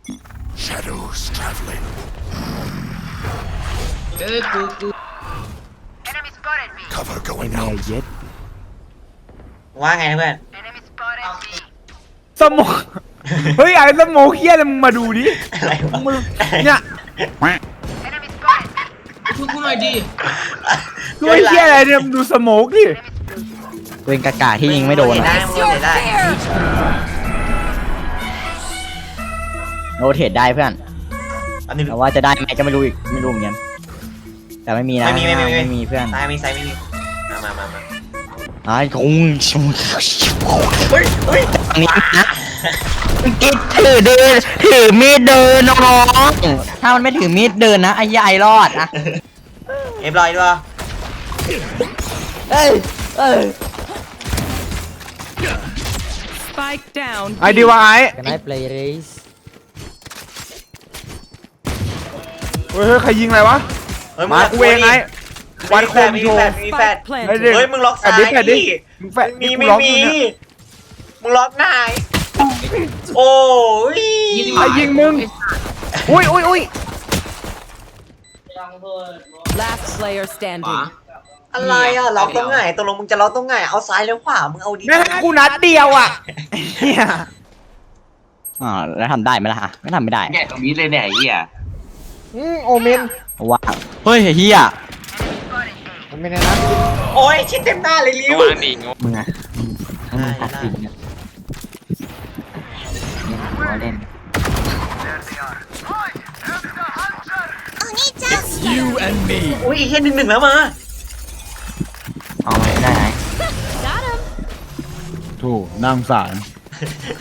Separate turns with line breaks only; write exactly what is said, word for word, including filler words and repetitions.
Shadows traveling.
เออกูกู
Cover
ไอ้
going
แมว
out.
เย็ด
ว่าไงนะเพื่อน
สมองเฮ้ยไอ้สมองเฮี้ยเลยมึงมาดูดิ
อะไรวะ
มึงเนี่ย
ช่วยกูหน่อยดิ
ดูไอ้เฮี้ยอะไรเนี่ยมึงดูสมองดิ
เวงกากาที่ยิงไม่โดน
เห็นได้
อะ
มึงเห็นได้
โนเทรดได้เพื่อน
อันนี้
แต่ว่าจะได้ไหมก็ไม่รู้อีกไม่รู้เหมือนกันแต่ไม่มีนะ
ไม่มีไม่มี
ไม่มีเพื่อน
ซ้ายมีซ้ายไม่มีมามามามา
ไอ้คงชง
เฮ้ยเฮ้ย
อันนี้นะกิดถือเดินถือมีดเดินน้องๆถ้ามันไม่ถือมีดเดินนะไอ้ยายรอดนะ
เรียบร้อยด้วย
เอ้ยเอ้ย
Spike down.
ไอ้ดีวะไอ้
กันได้เพลย์เรส
เฮ้ยเฮ้ยใครยิงอะไรวะ
เฮ้ย
มากูเองไอ้วันโคม
มี
โช
แฟ
ว์
ดมีแฟด
Spike
ไอ้
planted.
เด็ก
เฮ้ยมึงล็อกซ้าย
แฟดดิแฟดดิ
ดิ
มึงแฟด
มี
กู
ไม่
ล็อก
มี
อยู่เนี่ย
มึงล็อกนายโอ้ย
ใครยิงมึงอุ้ยอุ้ยอุ้ย
Last player
ขวา
standing.
อะไรอ่ะล็อกตรงไหนตกลงมึงจะล็อกตรงไหนเอาซ้ายแล้วขวามึงเอาดี
แม่งให้กูนัดเดียวอ่ะเฮีย
อ่าแล้วทำได้ไหมล่ะฮะไม่ทำไม่ได้
เนี่ยตรงนี้เลยเนี่ยไอ้เหี้ย
อืมโอเมน
ว่าเฮ้ยเฮีย
โอเมนนะ
โอ้ยชิดเต็มหน้าเลยลิ้ว
วางดิง
มึงอะถ้ามึงตัดสินเนี่ยเล่น
You and me.
อุ้ยอีกแค่หนึ่งหนึ่งแล้วมา
เอาไม่ได้ไหน
ถูกนั่งสาร